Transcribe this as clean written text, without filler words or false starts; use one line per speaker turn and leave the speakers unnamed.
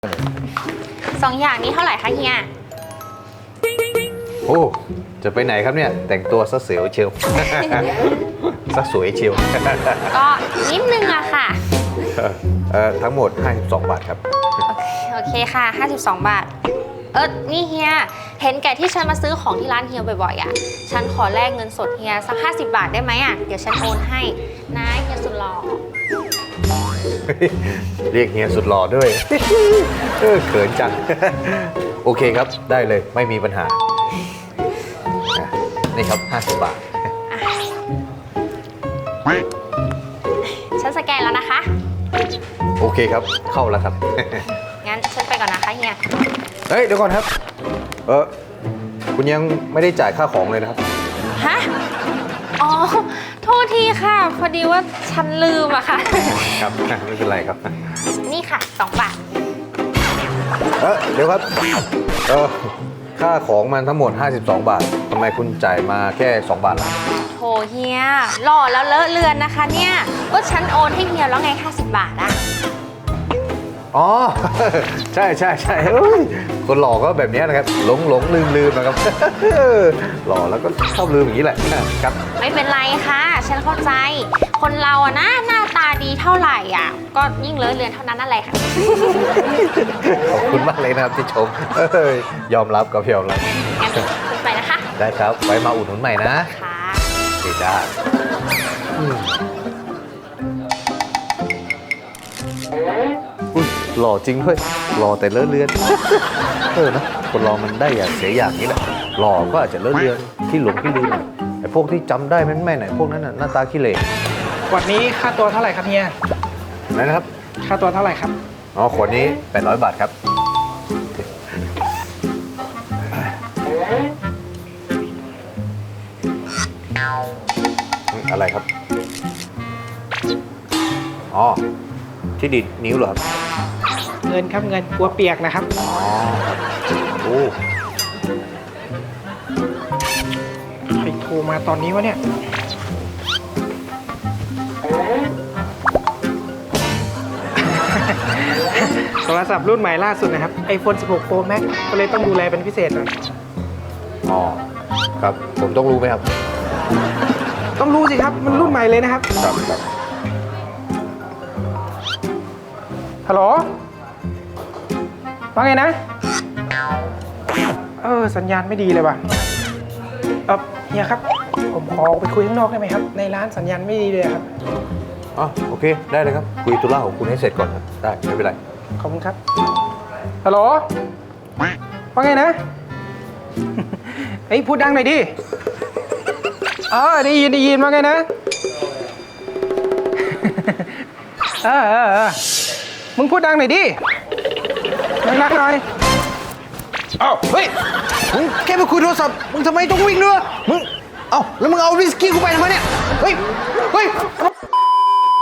2 อย่างนี้เท่าไหร่คะเฮีย
โอ้จะไปไหนครับเนี่ยแต่งตัวซะเสียวเชียว ซะสวยเชียว
ก็นิดนึงอะค่ะ
ทั้งหมด52 บาทครับ
โอเคค่ะ52 บาทนี่เฮียเห็นแก่ที่ฉันมาซื้อของที่ร้านเฮียบ่อยๆอะฉันขอแลกเงินสดเฮียสัก50 บาทได้ไหมอะเดี๋ยวฉันโอนให้นะเฮียสุดหล่อ
เรียกเฮียสุดหล่อด้วย เขินจัง โอเคครับได้เลยไม่มีปัญหานี่ครับ50 บาท
ฉันสแกนแล้วนะคะ
โอเคครับเข้าแล้วครับ
งั้นฉันไปก่อนนะคะเฮีย
เฮ้ยเดี๋ยวก่อนครับคุณยังไม่ได้จ่ายค่าของเลยนะครับ
ฮะอ๋อโทษทีค่ะพอดีว่าฉันลืมอะค่ะ
ครับ ไม่เป็นไรครับ
นี่ค่ะ2 บาท
เดี๋ยวครับค่าของมันทั้งหมด52 บาททำไมคุณจ่ายมาแค่2 บาทล่ะ
โถเฮียหล่อแล้วเลอะเลือนนะคะเนี่ยก็ฉันโอนให้เฮียแล้วไง50 บาทอะ
อ๋อ ใช่ใช่ใช่เฮ้ยคนหล่อก็แบบนี้นะครับหลงลืมนะครับ หล่อแล้วก็ชอบลืมอย่างนี้แหละครับ
ไม่เป็นไรค่ะ ฉันเข้าใจ คนเราอะนะหน้าตาดีเท่าไหร่อ่ะก็ยิ่งเลอะเลือนเท่านั้นนั่นแหละค่ะ
ขอบคุณมากเลยนะครับที่ชมยอมรับกับยอมรับ
งั้นคุณไปนะคะ
ได้ครับไว้มาอุดหนุนใหม่นะ
ค่ะ
ดีจ้าอุ้ยหล่อจริงด้วยหล่อแต่เลอะเลือน นะคนเรามันได้อย่างเสียอย่างนี้แหละหล่อก็อาจจะเลอะเลือนที่หลงที่ลืมไอ้พวกที่จำได้แม่นไหนพวกนั้นน่ะหน้าตาขี้เหร่
ขวดนี้ค่าตัวเท่าไหร่ครับเฮีย
นะครับ
ค่าตัวเท่าไหร่ครับ
อ๋อขวดนี้800 บาทครับอะไรครับอ๋อที่ดิดนิ้วเหรอครับ
เงินครับเงินกลัวเปียกนะครับ
อ๋อโอ้
ใครโทรมาตอนนี้วะเนี่ย โทรศัพท์รุ่นใหม่ล่าสุดนะครับ iPhone 16 Pro Max ก็เลยต้องดูแลเป็นพิเศษหน่อย
อ๋อครับผมต้องรู้ไหมครับ
ต้องรู้สิครับมันรุ่นใหม่เลยนะครับ
ครับ
ฮัลโหลว่าไงนะ สัญญาณไม่ดีเลยว่ะเฮียครับ ผมขอไปคุยข้างนอกได้ไหมครับ ในร้านสัญญาณไม่ดีเลยครับ
อ๋อโอเคได้เลยครับคุยธุระของคุณให้เสร็จก่อนครับได้ไม่เป็นไร
ขอบคุณครับ ฮัลโหลว่าไงนะ เฮ้ยพูดดังหน่อยดิได้ยินว่าไงนะ มึงพูดดังหน่อยดิดังๆหน่อย
อ้าวเฮ้ยมึงแค่ไปคุยโทรศัพท์มึงทำไมต้องวิ่งด้วยมึงเอ้าแล้วมึงเอาวิสกี้กูไปทำไมเนี่ยเฮ้ยทำไม